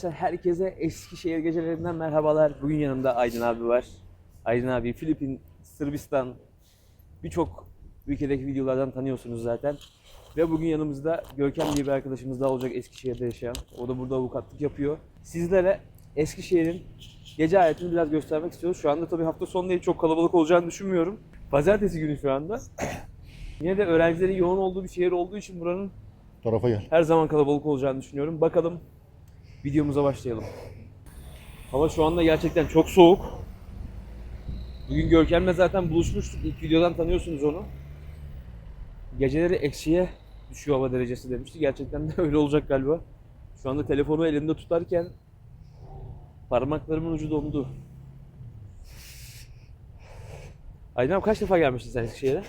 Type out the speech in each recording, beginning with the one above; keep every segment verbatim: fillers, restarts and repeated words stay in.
Herkese Eskişehir gecelerinden merhabalar. Bugün yanımda Aydın abi var. Aydın abi Filipin, Sırbistan, birçok ülkedeki videolardan tanıyorsunuz zaten. Ve bugün yanımızda Görkem diye bir arkadaşımız daha olacak, Eskişehir'de yaşayan. O da burada avukatlık yapıyor. Sizlere Eskişehir'in gece hayatını biraz göstermek istiyoruz. Şu anda tabii hafta sonu değil, çok kalabalık olacağını düşünmüyorum. Pazartesi günü şu anda. Yine de öğrencilerin yoğun olduğu bir şehir olduğu için buranın Tarafa gel. her zaman kalabalık olacağını düşünüyorum. Bakalım, videomuza başlayalım. Hava şu anda gerçekten çok soğuk. Bugün Görkem'le zaten buluşmuştuk. İlk videodan tanıyorsunuz onu. Geceleri eksiye düşüyor hava derecesi demişti. Gerçekten de öyle olacak galiba. Şu anda telefonu elimde tutarken parmaklarımın ucu dondu. Aydın abi, kaç defa gelmiştin sen Eskişehir'e?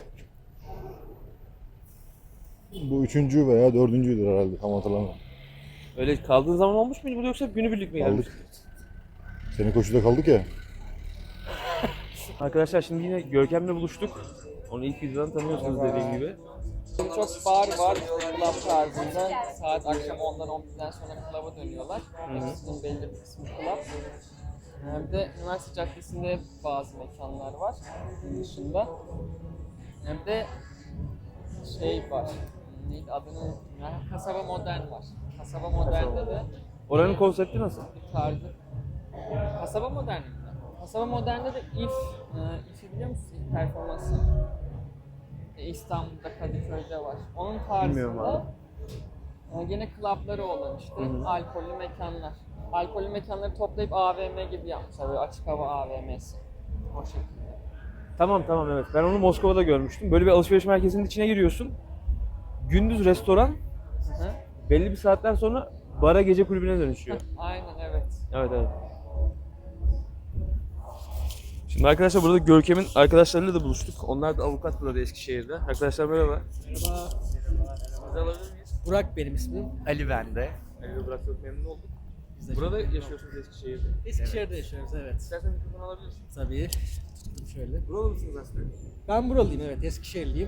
Bu üçüncü veya dördüncüydür herhalde, tam hatırlamıyorum. Öyle kaldığın zaman olmuş muydu burada, yoksa günübirlik mi gelmiştin? Kaldık. Senin koşuda kaldık ya. Arkadaşlar şimdi yine Görkem'le buluştuk. Onu ilk videodan tanıyorsunuz dediğim gibi. Çok bar var, işte club tarzında. Saat akşam ondan on birden sonra club'a dönüyorlar. Hepsinin belli bir kısmı club. Hem de Üniversite Caddesi'nde bazı mekanlar var bunun dışında. Hem de şey var, neydi adını unuttum ya, Kasaba Modern var. Kasaba Modern'de de Oranın konsepti nasıl? bir tarzı. Kasaba Modern mi? Kasaba Modern'de de if, e, if'i biliyor musun? İF performansı. E, İstanbul'da, Kadıköy'de var. Onun Bilmiyorum tarzında e, gene klapları olan işte Hı hı. alkollü mekanlar. Alkollü mekanları toplayıp A V M gibi yapmışlar, böyle açık hava A V M'si. O şekilde. Tamam tamam evet. Ben onu Moskova'da görmüştüm. Böyle bir alışveriş merkezinin içine giriyorsun. Gündüz restoran, Hı hı. belli bir saatten sonra bara, gece kulübüne dönüşüyor. Aynen, evet. Evet evet. Şimdi arkadaşlar burada Görkem'in arkadaşlarıyla da buluştuk. Onlar da avukat burada Eskişehir'de. Arkadaşlar merhaba. Merhaba. Sizi alabilir miyiz? Burak benim ismim. Ali ben de. Ali Burak, çok memnun olduk. Biz de Burada çok- yaşıyorsunuz Eskişehir'de. Eskişehir'de yaşıyoruz, evet. İstersen mikrofon alabilirsin. Tabii. Tuttum şöyle. Buralı mısınız aslında? Ben buralıyım, evet. Eskişehirliyim.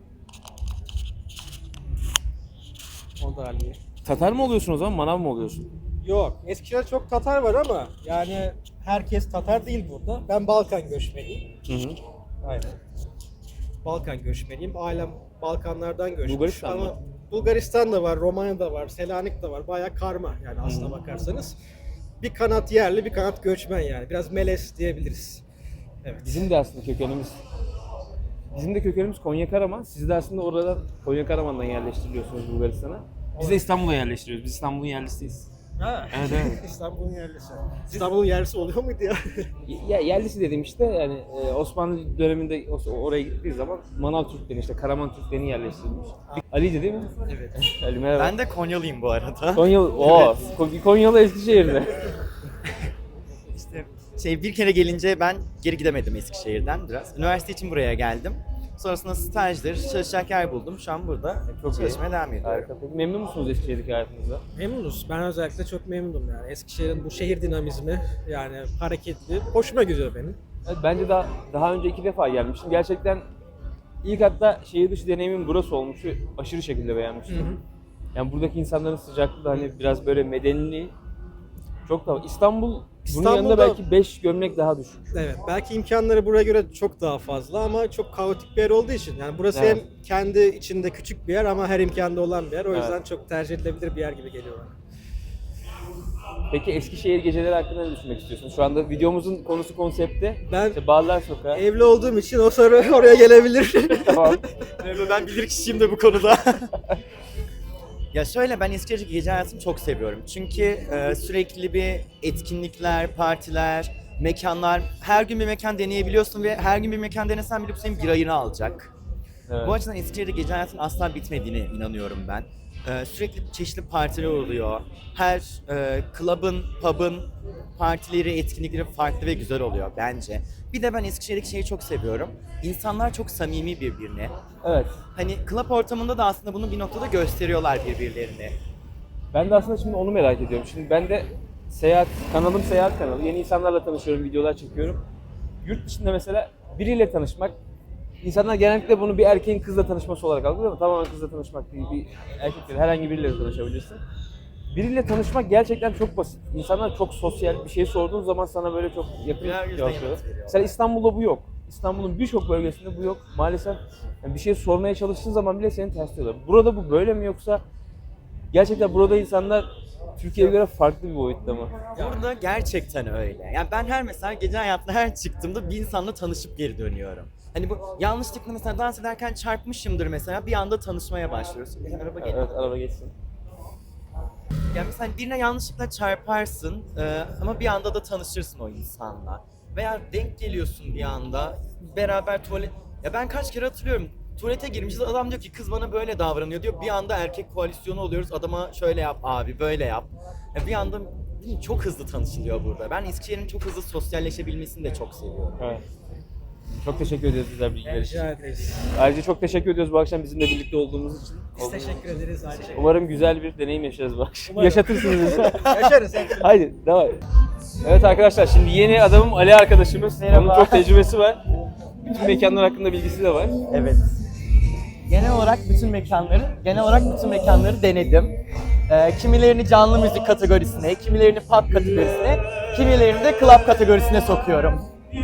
O da Ali. Tatar mı oluyorsun o zaman, manav mı oluyorsun? Yok, Eskişehir'de çok Tatar var ama yani herkes Tatar değil burada. Ben Balkan göçmeniyim. Hı hı. Aynen. Balkan göçmeniyim. Ailem Balkanlardan göçmüş. Bulgaristan ama mı? Bulgaristan da var, Romanya da var, Selanik de var. Bayağı karma yani aslına bakarsanız. Bir kanat yerli, bir kanat göçmen yani. Biraz melez diyebiliriz. Evet. Bizim de aslında kökenimiz Bizim de kökenimiz Konya Karaman. Siz de aslında oradan Konya Karaman'dan yerleştiriliyorsunuz Bulgaristan'a. Biz de İstanbul'a yerleştiriyoruz. Biz İstanbul'un yerlisiyiz. Ha. Evet evet. İstanbul'un yerlisi. İstanbul'un yerlisi oluyor muydu ya? Ya, yerlisi dediğim işte yani e, Osmanlı döneminde o- oraya gittiği zaman Manav Türkleri, işte Karaman Türkleri yerleştirilmiş. Ali'ydi değil mi? Evet. Ali merhaba. Ben de Konyalıyım bu arada. Konyalı, oo, Ko- Konyalı Eskişehir'de. İşte şey bir kere gelince ben geri gidemedim Eskişehir'den biraz. Üniversite için buraya geldim. Sonrasında stajdır, çalışacak yer buldum. Şu an burada Çok iyi. çalışmaya devam ediyorum. Harika. Peki memnun musunuz Eskişehir'deki hayatınızda? Memnunuz. Ben özellikle çok memnunum yani. Eskişehir'in bu şehir dinamizmi yani hareketli. Hoşuma gidiyor benim. Evet, bence daha, daha önce iki defa gelmiştim. Gerçekten ilk hatta şehir dışı deneyimim burası olmuştu. Aşırı şekilde beğenmiştim. Yani buradaki insanların sıcaklığı da hani biraz böyle medeniliği çok daha... İstanbul, bunun İstanbul'da- yanında belki beş gömlek daha düşük. Evet. Belki imkanları buraya göre çok daha fazla ama çok kaotik bir yer olduğu için. Yani burası Evet. hem kendi içinde küçük bir yer ama her imkanda olan bir yer. O Evet. yüzden çok tercih edilebilir bir yer gibi geliyor bana. Peki Eskişehir geceleri hakkında ne düşünmek istiyorsun? Şu anda videomuzun konusu, konsepti. Ben İşte Bağlar Sokağı. evli olduğum için o soru oraya gelebilir. Tamam. Ben bilir kişiyim de bu konuda. Ya şöyle, ben Eskişehir'deki gece hayatını çok seviyorum. Çünkü e, sürekli bir etkinlikler, partiler, mekanlar, her gün bir mekan deneyebiliyorsun ve her gün bir mekan denesen bile bu senin bir ayını alacak. Evet. Bu açıdan Eskişehir'de gece hayatının asla bitmediğine inanıyorum ben. Ee, sürekli çeşitli partiler oluyor. Her e, club'ın, pub'ın partileri, etkinlikleri farklı ve güzel oluyor bence. Bir de ben Eskişehir'deki şeyi çok seviyorum. İnsanlar çok samimi birbirine. Evet. Hani club ortamında da aslında bunu bir noktada gösteriyorlar birbirlerini. Ben de aslında şimdi onu merak ediyorum. Şimdi ben de seyahat, kanalım seyahat kanalı. Yeni insanlarla tanışıyorum, videolar çekiyorum. Yurt dışında mesela biriyle tanışmak, insanlar genellikle bunu bir erkeğin kızla tanışması olarak algılıyor ama tamamen kızla tanışmak değil. Bir erkekle herhangi biriyle de tanışabilirsin. biriyle tanışmak gerçekten çok basit. İnsanlar çok sosyal, bir şey sorduğun zaman sana böyle çok yakın Birer yüzden cevap yanıt veriyorlar. veriyor. Mesela İstanbul'da bu yok. İstanbul'un birçok bölgesinde bu yok. Maalesef yani bir şey sormaya çalıştığın zaman bile seni tersliyorlar. Burada bu böyle mi yoksa gerçekten burada insanlar Türkiye'ye göre farklı bir boyutta mı? Burada gerçekten öyle. Yani ben her mesela gece hayatına her çıktığımda bir insanla tanışıp geri dönüyorum. Hani bu yanlışlıkla mesela dans ederken çarpmışımdır mesela bir anda tanışmaya başlıyoruz. Bir araba geliyor. Evet, araba geçsin. Yani mesela birine yanlışlıkla çarparsın e, ama bir anda da tanışırsın o insanla. Veya denk geliyorsun bir anda beraber tuvalet... Ya ben kaç kere hatırlıyorum. Tuvalete girmişiz adam diyor ki kız bana böyle davranıyor diyor. Bir anda erkek koalisyonu oluyoruz adama şöyle yap abi böyle yap. Ya bir anda çok hızlı tanışılıyor burada. Ben Eskişehir'in çok hızlı sosyalleşebilmesini de çok seviyorum. Evet. Çok teşekkür ederiz güzel bilgiler için. Rica ederiz. Ayrıca çok teşekkür ediyoruz bu akşam bizimle birlikte olduğumuz için. Biz teşekkür ederiz. Aynı şekilde. Umarım güzel bir deneyim yaşarız bu akşam. Umarım. Yaşatırsınız bizi. Yaşarız. Haydi devam. Evet arkadaşlar şimdi yeni adamım Ali arkadaşımız. Merhaba. Onun çok tecrübesi var. Bütün mekanlar hakkında bilgisi de var. Evet. Genel olarak bütün mekanları, genel olarak bütün mekanları denedim. Ee, kimilerini canlı müzik kategorisine, kimilerini pop kategorisine, kimilerini de club kategorisine sokuyorum.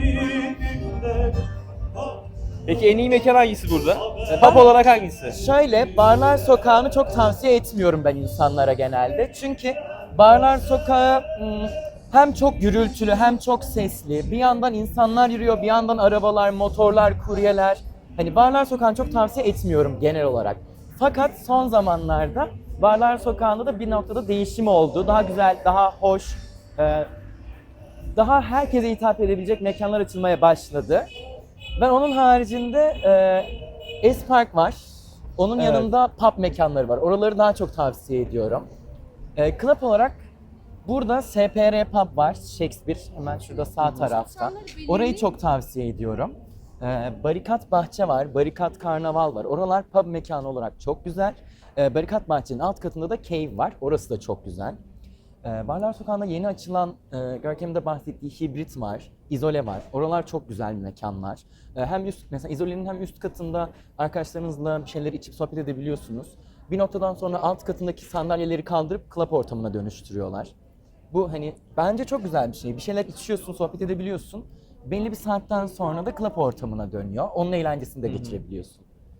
Peki en iyi mekan hangisi burada? Pub olarak hangisi? Şöyle, Barlar Sokağı'nı çok tavsiye etmiyorum ben insanlara genelde. Çünkü Barlar Sokağı hmm, hem çok gürültülü hem çok sesli. Bir yandan insanlar yürüyor, bir yandan arabalar, motorlar, kuryeler. Hani Barlar Sokağı'nı çok tavsiye etmiyorum genel olarak. Fakat son zamanlarda Barlar Sokağı'nda da bir noktada değişim oldu. Daha güzel, daha hoş, e, daha herkese hitap edebilecek mekanlar açılmaya başladı. Ben onun haricinde e, Espark var. Onun Evet. yanında pub mekanları var. Oraları daha çok tavsiye ediyorum. E, club olarak burada S P R Pub var. Shakespeare hemen şurada sağ tarafta. Orayı çok tavsiye ediyorum. E, Barikat Bahçe var. Barikat Karnaval var. Oralar pub mekanı olarak çok güzel. E, Barikat Bahçe'nin alt katında da Cave var. Orası da çok güzel. Ee, Barlar Sokağı'nda yeni açılan, e, Görkem'in de bahsettiği Hibrit var, İzole var. Oralar çok güzel mekanlar. Ee, hem üst, mesela İzole'nin hem üst katında arkadaşlarınızla bir şeyler içip sohbet edebiliyorsunuz. Bir noktadan sonra alt katındaki sandalyeleri kaldırıp club ortamına dönüştürüyorlar. Bu hani bence çok güzel bir şey. Bir şeyler içiyorsun, sohbet edebiliyorsun. Belli bir saatten sonra da club ortamına dönüyor. Onun eğlencesini de geçirebiliyorsun.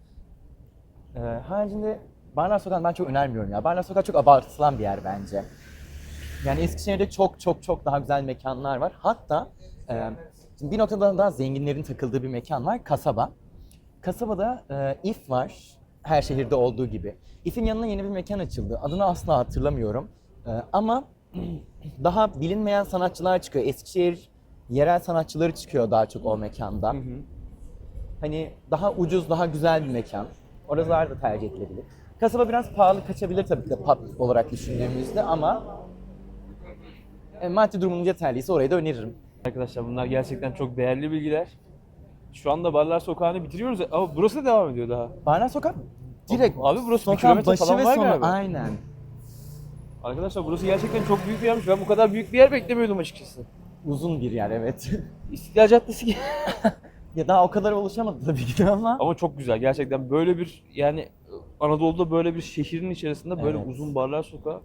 Ee, haricinde Barlar Sokağı'nı ben çok önermiyorum ya. Barlar Sokağı çok abartılan bir yer bence. Yani Eskişehir'de çok çok çok daha güzel mekanlar var. Hatta e, şimdi bir noktada daha zenginlerin takıldığı bir mekan var, Kasaba. Kasabada e, If var, her şehirde olduğu gibi. If'in yanına yeni bir mekan açıldı. Adını asla hatırlamıyorum. E, ama daha bilinmeyen sanatçılar çıkıyor. Eskişehir yerel sanatçıları çıkıyor daha çok o mekanda. Hı hı. Hani daha ucuz, daha güzel bir mekan. Oralar da tercih edilebilir. Kasaba biraz pahalı kaçabilir tabii ki de pub olarak düşündüğümüzde ama e, maddi durumunuz yeterliyse orayı da öneririm. Arkadaşlar bunlar gerçekten çok değerli bilgiler. Şu anda Barlar Sokağı'nı bitiriyoruz ama burası da devam ediyor daha. Barlar Sokak direkt Abi burası bir sokağın kilometre başı falan ve var sonu galiba. aynen. Arkadaşlar burası gerçekten çok büyük bir yermiş. Ben bu kadar büyük bir yer beklemiyordum açıkçası. Uzun bir yer evet. İstiklal Caddesi gibi. Ya daha o kadar oluşamadı tabii ki de ama. Ama çok güzel gerçekten böyle bir yani Anadolu'da böyle bir şehrin içerisinde böyle Evet. uzun barlar sokağı.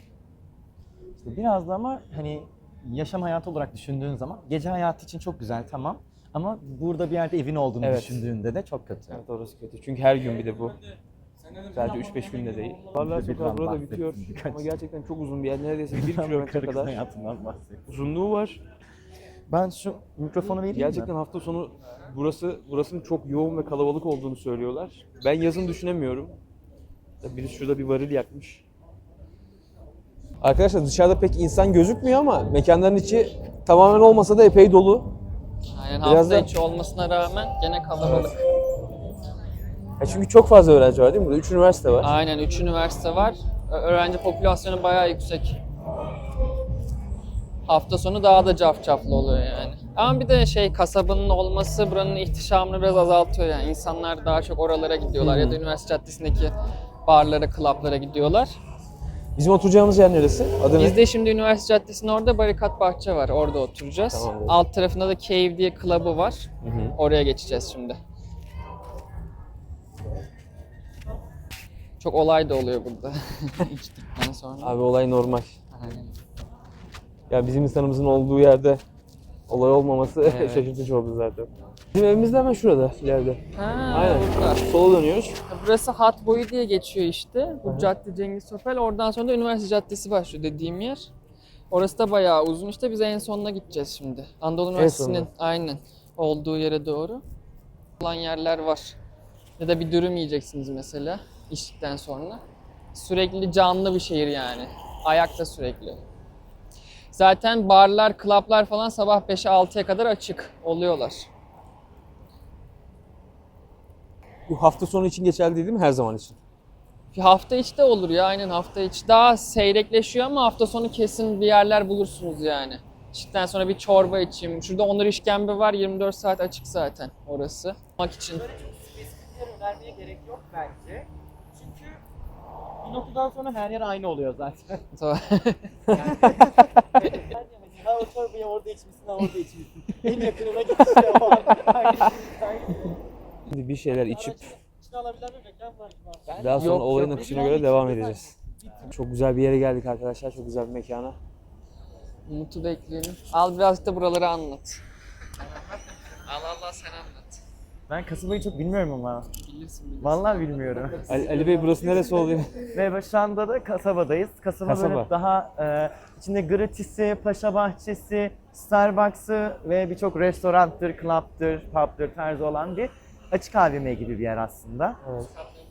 İşte biraz da ama hani yaşam hayatı olarak düşündüğün zaman gece hayatı için çok güzel tamam. Ama burada bir yerde evin olduğunu Evet. düşündüğünde de çok kötü. Evet orası kötü. Çünkü her gün bir de bu. Sadece üç beş günde değil. Barlar Bize sokağı birden burada bahsettim bitiyor. birkaç. Ama gerçekten çok uzun bir yer. Neredeyse bir Tam kilometre karı kız kadar hayatından bahsettim. uzunluğu var. Ben şu mikrofonu vereyim Gerçekten mi? hafta sonu burası burasının çok yoğun ve kalabalık olduğunu söylüyorlar. Ben yazın düşünemiyorum. Birisi şurada bir varil yakmış. Arkadaşlar dışarıda pek insan gözükmüyor ama mekanların içi tamamen olmasa da epey dolu. Aynen Biraz hafta da- içi olmasına rağmen gene kalabalık. Ya çünkü çok fazla öğrenci var değil mi? Burada üç üniversite var. Aynen üç üniversite var. Ö- Öğrenci popülasyonu bayağı yüksek. Hafta sonu daha da cafcaflı oluyor yani. Ama bir de şey kasabanın olması buranın ihtişamını biraz azaltıyor yani. İnsanlar daha çok oralara gidiyorlar ya da üniversite caddesindeki barlara, klaplara gidiyorlar. Bizim oturacağımız yer neresi? Adı Biz ne? de şimdi üniversite caddesinin orada Barikat Bahçe var. Orada oturacağız. Tamamdır. Alt tarafında da Cave diye club'ı var. Oraya geçeceğiz şimdi. Çok olay da oluyor burada içtikten sonra. Abi olay normal. Aynen. Ya bizim insanımızın olduğu yerde olay olmaması Evet. şaşırtıcı oldu zaten. Bizim evimiz de hemen şurada, ileride. Ha, Aynen. burada. Sola dönüyoruz. Burası Hat Boyu diye geçiyor işte. Bu cadde Cengiz Topel. Oradan sonra da Üniversite Caddesi başlıyor dediğim yer. Orası da bayağı uzun işte. Biz en sonuna gideceğiz şimdi. Anadolu Üniversitesi'nin sonuna. aynen olduğu yere doğru olan yerler var. Ya da bir dürüm yiyeceksiniz mesela içtikten sonra. Sürekli canlı bir şehir yani. Ayakta sürekli. Zaten barlar, klaplar falan sabah beşe altıya kadar açık oluyorlar. Bu hafta sonu için geçerli değil mi? Her zaman için. Bir hafta içi de olur ya, aynen hafta içi. Daha seyrekleşiyor ama hafta sonu kesin bir yerler bulursunuz yani. İçtikten sonra bir çorba içeyim. Şurada Onur İşkembe var, yirmi dört saat açık zaten orası. Mak için. Böyle çok spesifik yer önermeye gerek yok bence. Çünkü bir noktadan sonra her yer aynı oluyor zaten. Tamam. Ha o çorbayı orada içmişsin, ha orada içmişsin. En yakınına gitsin o anda. Şimdi bir şeyler içip İçine alabilen bir mekan var. daha sonra Yok, olayın yok. akışına göre devam edeceğiz. Çok güzel bir yere geldik arkadaşlar. Çok güzel bir mekana. Umut'u bekleyelim. Al birazcık da buraları anlat. Al Allah sen anlat. Ben kasabayı çok bilmiyorum ama. Bilirsin bilirsin. Vallahi bilmiyorum. Ali, Ali Bey burası neresi oluyor? Ve şu anda da kasabadayız. Kasaba, Kasaba. böyle daha e, içinde gratisi, paşa bahçesi, Starbucks'ı ve birçok restoranttır, club'tır, pub'tır tarzı olan bir açık A V M gibi bir yer aslında. Evet.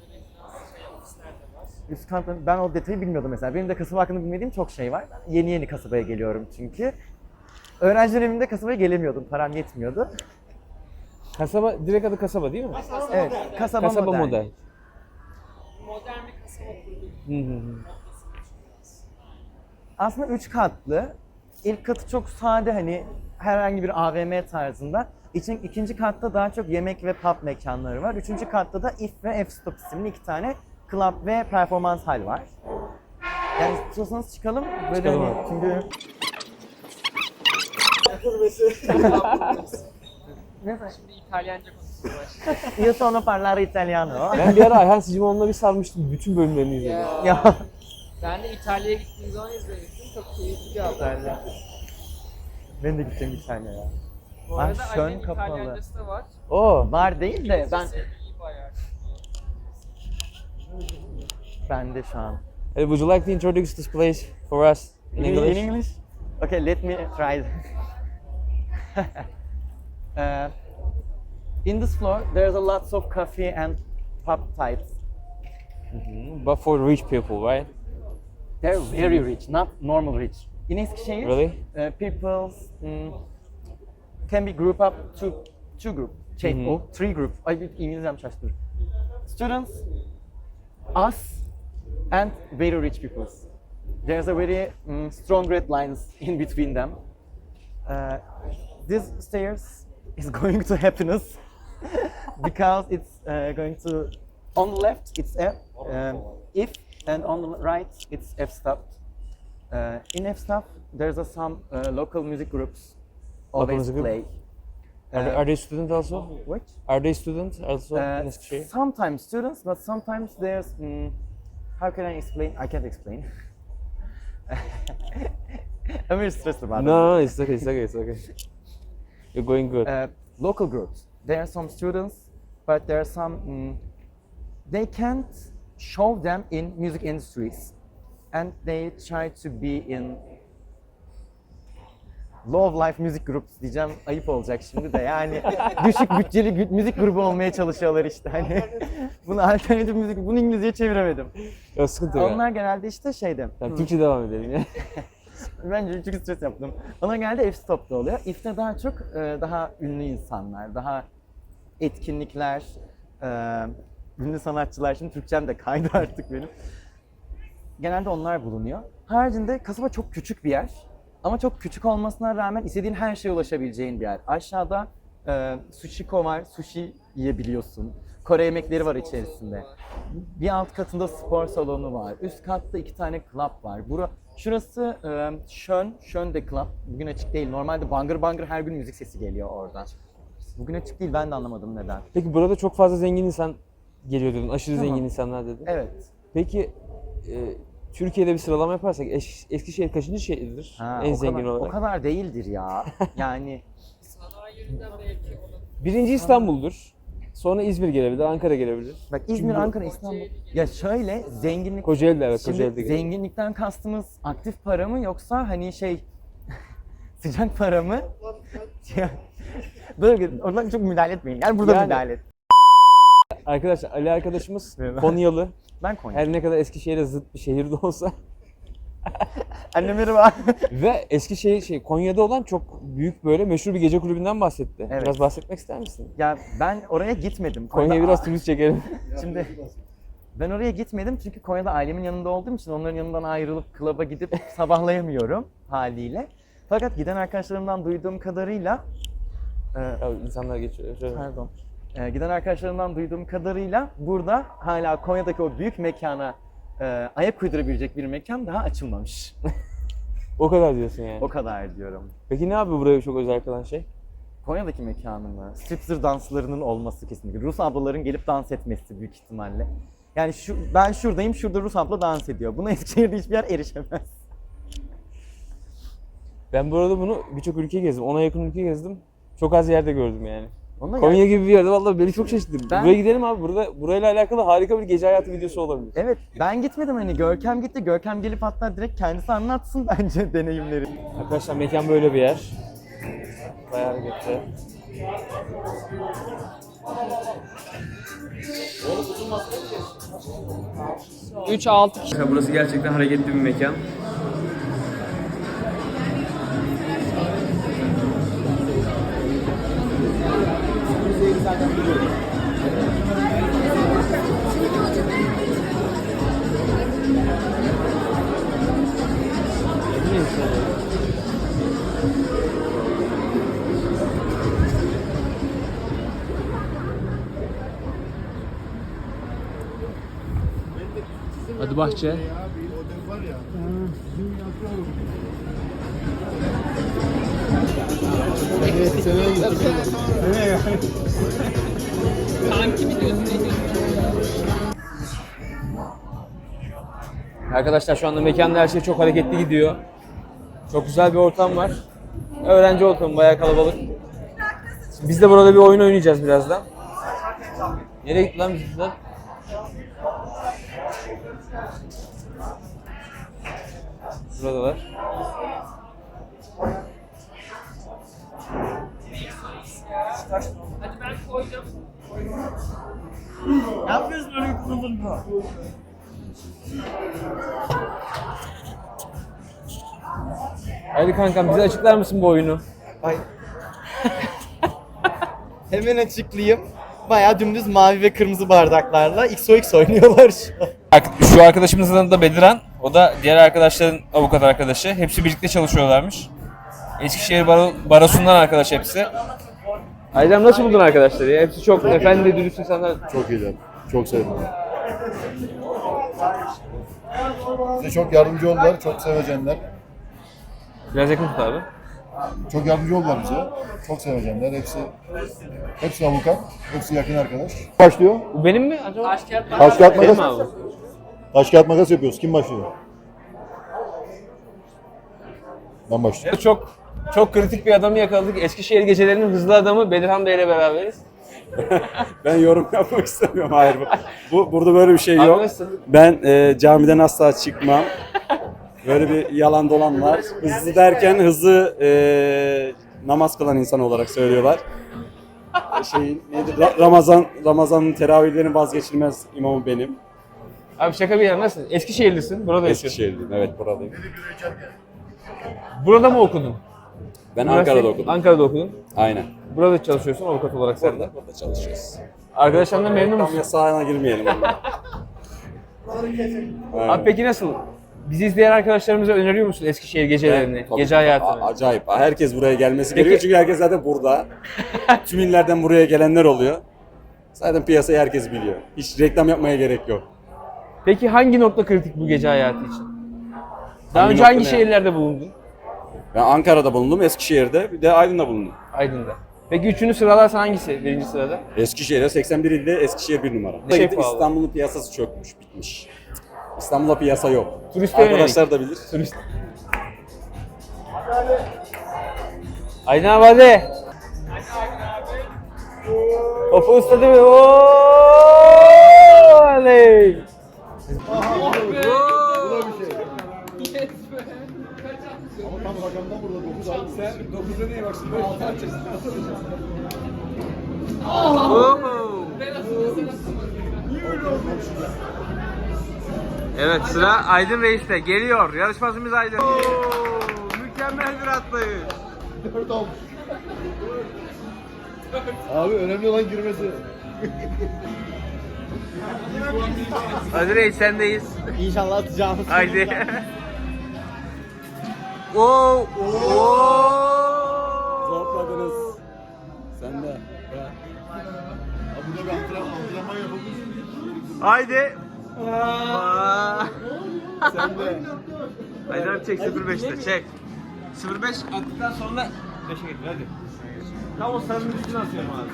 Üst katta ben o detayı bilmiyordum mesela. Benim de kasaba hakkında bilmediğim çok şey var. Ben yeni yeni kasabaya geliyorum çünkü. Öğrenci döneminde kasabaya gelemiyordum, param yetmiyordu. Kasaba, direkt adı kasaba değil mi? Evet, kasaba, Kasaba modern. model. Modern bir kasaba kurduk. Hı hı hı. Aslında üç katlı. İlk katı çok sade, hani herhangi bir A V M tarzında. İçin, ikinci katta daha çok yemek ve pub mekanları var. Üçüncü katta da If ve F-Stop isimli iki tane club ve performans hal var. Yani istiyorsanız çıkalım. Böyle Çıkalım hani abi. çünkü... Şimdi İtalyanca konuşuyorlar. Io sono parlare italiano. Ben bir ara Ayhan Sicimoğlu'na bir sarmıştım. Bütün bölümlerini izledim. Ya. Ya Ben de İtalya'ya gittiğim zaman izlemiştim. Çok keyifli bir haberdi. ben de gideceğim İtalya'ya. Bu Ah, arada şön Ali'nin kapalı. İtalyancası da var. Oo. Var değil de ben İyi bayağı. ben de şu an. Ali, would you like to introduce this place for us in English? In English? Okay, let me try. uh, in this floor, there's a lots of coffee and pub types. But for rich people, right? They're very rich, not normal rich. In Eskişehir, Really? uh, people mm, can be grouped up to two group, şey, Mhm. o three group. Ay bir İngilizcem şaştı. Students, us, and very rich people. There's a very mm, strong red lines in between them. Uh, this stairs is going to happiness because it's uh, going to on the left it's F, um, if, and on the right it's F stop. Uh, in F stop there's a some uh, local music groups Local always music group? play. Are, they, Uh, are they students also? What? Are they students also Uh, in Eskişehir? sometimes students, but sometimes there's. Mm, how can I explain? I can't explain. I'm very stressed about No, no, no, it's okay, it's okay, it's okay. You're going good. it. Uh, local groups. There are some students, but there are some. Mm, they can't show them in music industries, and they try to be in low life music groups diyeceğim, ayıp olacak şimdi de yani düşük bütçeli gü- müzik grubu olmaya çalışıyorlar işte hani bunu alternatif müzik, bunu İngilizceye çeviremedim. Ya sıkıntı yok. Onlar genelde işte şeyde, Yani hmm, Türkçe devam edelim ya. bence çünkü stres yaptım. Onlar genelde F-Stop'ta oluyor. If'te daha çok e, daha ünlü insanlar, daha etkinlikler, e, ünlü sanatçılar, şimdi Türkçem de kaydı artık benim. Genelde onlar bulunuyor. Haricinde kasaba çok küçük bir yer. Ama çok küçük olmasına rağmen istediğin her şeye ulaşabileceğin bir yer. Aşağıda e, sushiko var, sushi yiyebiliyorsun. Kore yemekleri var içerisinde. Bir alt katında spor salonu var. Üst katta iki tane club var. Bura, şurası e, Şön, Şön de Club. Bugün açık değil. Normalde bangır bangır her gün müzik sesi geliyor oradan. Bugün açık değil, ben de anlamadım neden. Peki burada çok fazla zengin insan geliyor dedin. Aşırı Tamam. zengin insanlar dedin. Evet. Peki e, Türkiye'de bir sıralama yaparsak Es- Eskişehir kaçıncı şehirdir Ha, en o zengin kadar, olarak? O kadar değildir ya. Yani Sanayi yönünden belki onun Birinci İstanbul'dur. Sonra İzmir gelebilir, Ankara gelebilir. bak İzmir, Ankara, İstanbul. Ya şöyle zenginlik Kocaeli de evet, Şimdi Kocaeli de gelebilir. zenginlikten kastımız aktif para mı yoksa hani şey sıcak para mı? Böyle oradan çok müdahale etmeyin. Yani burada Yani- müdahale et. Arkadaşlar Ali arkadaşımız Merhaba. Konyalı. Ben Konya. Her ne kadar Eskişehir'e zıt bir şehirde olsa Anne merhaba. ve Eskişehir şey Konya'da olan çok büyük böyle meşhur bir gece kulübünden bahsetti. Evet. Biraz bahsetmek ister misin? Ya ben oraya gitmedim. Konya'ya Konya'da- biraz turist çekelim. Şimdi ben oraya gitmedim çünkü Konya'da ailemin yanında olduğum için onların yanından ayrılıp klaba gidip sabahlayamıyorum haliyle. Fakat giden arkadaşlarımdan duyduğum kadarıyla e, Ya insanlar geçiyor. Şöyle. Pardon. Ee, giden arkadaşlarımdan duyduğum kadarıyla burada hala Konya'daki o büyük mekana e, ayak uydurabilecek bir mekan daha açılmamış. O kadar diyorsun yani. O kadar diyorum. Peki ne abi buraya çok özel kılan şey? Konya'daki mekanın mı? Striptease danslarının olması kesinlikle. Rus ablaların gelip dans etmesi büyük ihtimalle. Yani şu, ben şuradayım, şurada Rus abla dans ediyor. Buna Eskişehir'de hiçbir yer erişemez. Ben bu arada bunu birçok ülke gezdim. Ona yakın ülke gezdim. Çok az yerde gördüm yani. Ondan Konya yani- gibi bir yerde vallahi beni çok şaşırttı. Ben- Buraya gidelim abi. Burada burayla alakalı harika bir gece hayatı videosu olabilir. Evet, ben gitmedim hani Görkem gitti. Görkem gelip hatta direkt kendisi anlatsın bence deneyimleri. Arkadaşlar mekan böyle bir yer. Bayağı hareketli. üç altı kişi. Burası gerçekten hareketli bir mekan. Hadi bahçe. Kanki mi diyorsun? Ne diyorsun? Arkadaşlar şu anda mekanda her şey çok hareketli gidiyor. Çok güzel bir ortam var. Öğrenci ortamı bayağı kalabalık. Biz de burada bir oyun oynayacağız birazdan. Nereye gitti lan bizimkiler? Buradalar. Hadi ben koyacağım. Ne yapıyorsun öyle kılınma? Hadi kankam bize açıklar mısın bu oyunu? Ay. Hemen açıklayayım. Bayağı dümdüz mavi ve kırmızı bardaklarla X O X oynuyorlar şu an. Şu arkadaşımızın adı da Bediran. O da diğer arkadaşların avukat arkadaşı. Hepsi birlikte çalışıyorlarmış. Eskişehir Baro Barosu'ndan arkadaş hepsi. Aydem nasıl buldun arkadaşları ya? Hepsi çok efendi, dürüst insanlar. Çok iyiler. Çok sevdim. Bize çok yardımcı oldular. Çok sevecenler. Biraz yakın tut abi. Çok yardımcı oldular bize. Çok sevecenler. Hepsi hepsi avukat. Hepsi yakın arkadaş. Başlıyor. Bu benim mi acaba? Taş kağıt Taş kağıt Benim makas. mi abi? Taş kağıt makas yapıyoruz. Kim başlıyor? Ben başlıyorum. Çok çok kritik bir adamı yakaladık. Eskişehir gecelerinin hızlı adamı Bedirhan Bey ile beraberiz. Ben yorum yapmak istemiyorum. Hayır. Bu, bu burada böyle bir şey Abi yok. nasılsın? Ben e, camiden asla çıkmam. Böyle bir yalan dolan var. Hızlı derken hızlı e, namaz kılan insan olarak söylüyorlar. Şey nedir? Ra- Ramazan Ramazan'ın teravihlerin vazgeçilmez imamı benim. Abi şaka bir yana nasılsın? Eskişehirlisin, burada yaşıyorsun. Eskişehirliyim. Evet buradayım. Burada mı okudun? Ben Üniversite- Ankara'da okudum. Ankara'da okudun. Aynen. Burada çalışıyorsun avukat olarak sen de. Burada, burada çalışıyoruz. Arkadaşlarından memnun Tam musun? yasağına girmeyelim. Aynen. Abi peki nasıl? Bizi izleyen arkadaşlarımıza öneriyor musun Eskişehir gecelerini, Tabii, gece a- hayatını? Acayip. Herkes buraya gelmesi Peki- gerekiyor çünkü herkes zaten burada. Tüm illerden buraya gelenler oluyor. Zaten piyasayı herkes biliyor. Hiç reklam yapmaya gerek yok. Peki hangi nokta kritik bu gece hayatı için? Daha Hangi önce nokta hangi ne? şehirlerde bulundun? Ben Ankara'da bulundum, Eskişehir'de, bir de Aydın'da bulundum. Aydın'da. Peki üçünü sıralarsan hangisi birinci sırada? Eskişehir'e seksen bir ilde Eskişehir bir numara. Şey Şey pahalı. İstanbul'un piyasası çökmüş, bitmiş. İstanbul'da piyasa yok. Turiste yönelik. Arkadaşlar da bilir. Turist. Aydın abi hadi. Topu ısladı mı? Oley! Tam rakamdan burada dokuz aldım. Sen dokuzda neye baksın? altı açacaksın. Evet, sıra Aydın Reis'te. Geliyor. Yarışmacımız Aydın. Oo, mükemmel bir atlayış. dört almış. Abi önemli olan girmesi. Hadi Reis sendeyiz. İnşallah atacağımız. Haydi. Oo! Oo! Zorladınız. Sen de. Burada bir antrenman, antrenman yapılmış. Haydi. Aa. Sen de. Aydın abi çek sıfır beşte çek. sıfır beş attıktan sonra beşe getir hadi. Tam o sarının üstüne atıyorum abi.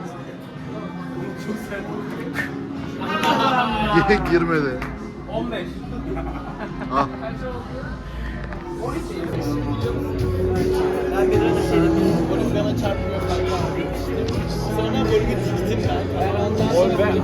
Girmedi. on beş. Ah. Ben bir ara şey dedim, golün bana çarpmıyor kanka. Sonra golü gittim ben. Ben ondan sonra golü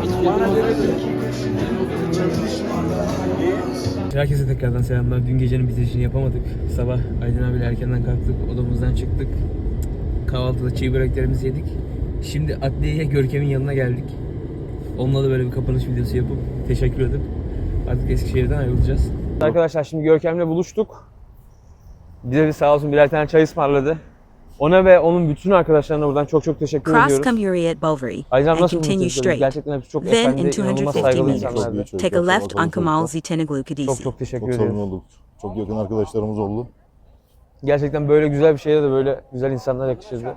Herkese tekrardan selamlar. Dün gecenin bitirişini yapamadık. Sabah Aydın abiyle erkenden kalktık. Odamızdan çıktık. Kahvaltıda çiğ böreklerimizi yedik. Şimdi adliyeye Görkem'in yanına geldik. Onunla da böyle bir kapanış videosu yapıp teşekkür edip artık Eskişehir'den ayrılacağız. Arkadaşlar şimdi Görkem'le buluştuk. Bize bir sağ olsun birer tane çay ısmarladı. Ona ve onun bütün arkadaşlarına buradan çok çok teşekkür Cross ediyoruz. Camuri at Bovary Aydın abi and nasıl continue buluştunuz? straight. Gerçekten hepsi çok Then efendi, in two hundred inanılmaz fifty saygılı meters, insanlardı. take a left on Kamal Zitenoglu Çok Kadisi. çok teşekkür Çok ediyorum. samimi olduk. Çok yakın arkadaşlarımız oldu. Gerçekten böyle güzel bir şeye de böyle güzel insanlar yakışırdı.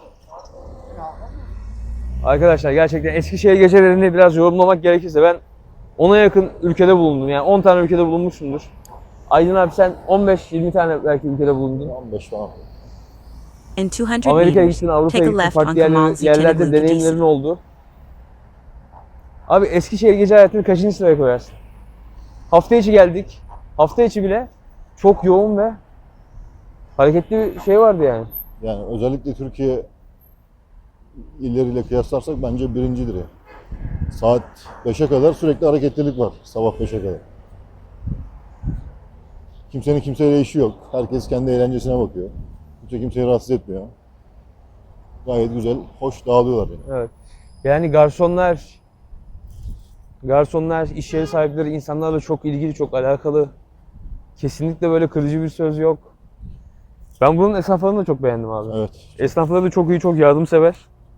Arkadaşlar gerçekten Eskişehir gecelerini biraz yorumlamak gerekirse ben ona yakın ülkede bulundum. Yani on tane ülkede bulunmuşsundur. Aydın abi sen on beş yirmi tane belki ülkede bulundun. on beş falan. In two hundred Amerika'ya meters, gittin, Avrupa'ya take a gittin, left on farklı Kamal yerlerde, yerlerde Zitenoglu deneyimlerin Kadisi. oldu. Abi Eskişehir gece hayatını kaçıncı sıraya koyarsın? Hafta içi geldik. Hafta içi bile çok yoğun ve hareketli bir şey vardı yani. Yani özellikle Türkiye illeriyle kıyaslarsak bence birincidir ya. Saat beşe kadar sürekli hareketlilik var. Sabah beşe kadar. Kimsenin kimseyle işi yok. Herkes kendi eğlencesine bakıyor. Kimse kimseyi rahatsız etmiyor. Gayet güzel, hoş dağılıyorlar yani. Evet. Yani garsonlar, garsonlar, iş yeri sahipleri insanlarla çok ilgili, çok alakalı. Kesinlikle böyle kırıcı bir söz yok. Ben bunun esnaflarını da çok beğendim abi. Evet, Esnafları da çok iyi, çok yardımsever.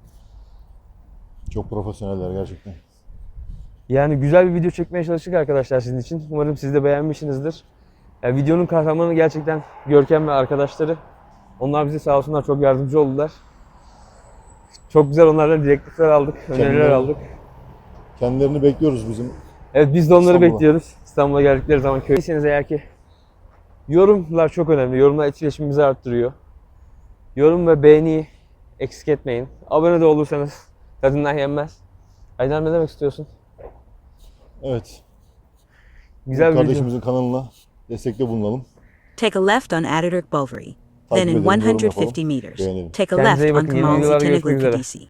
çok profesyoneller gerçekten. Yani güzel bir video çekmeye çalıştık arkadaşlar sizin için. Umarım siz de beğenmişsinizdir. Yani videonun kahramanı gerçekten Görkem ve arkadaşları. Onlar bize sağ olsunlar çok yardımcı oldular. Çok güzel onlardan direktifler aldık, öneriler Kendileri- aldık. Kendilerini bekliyoruz bizim. Evet biz de onları İstanbul'a. bekliyoruz. İstanbul'a geldikleri zaman köydesiniz eğer ki. Yorumlar çok önemli. Yorumlar etkileşimimizi arttırıyor. Yorum ve beğeniyi eksik etmeyin. Abone de olursanız tadından yenmez. Aydın ne demek istiyorsun? Evet, Güzel bir video. kardeşimizin kanalına destekte bulunalım. Take a left on Ataturk Bovary. Then Takip in edelim, yorum one hundred yapalım, fifty meters, beğenelim. take a Kendinize left iyi on bakın, yeni Kamal videolarda görüşmek Zitenoglu üzere. Kadisi.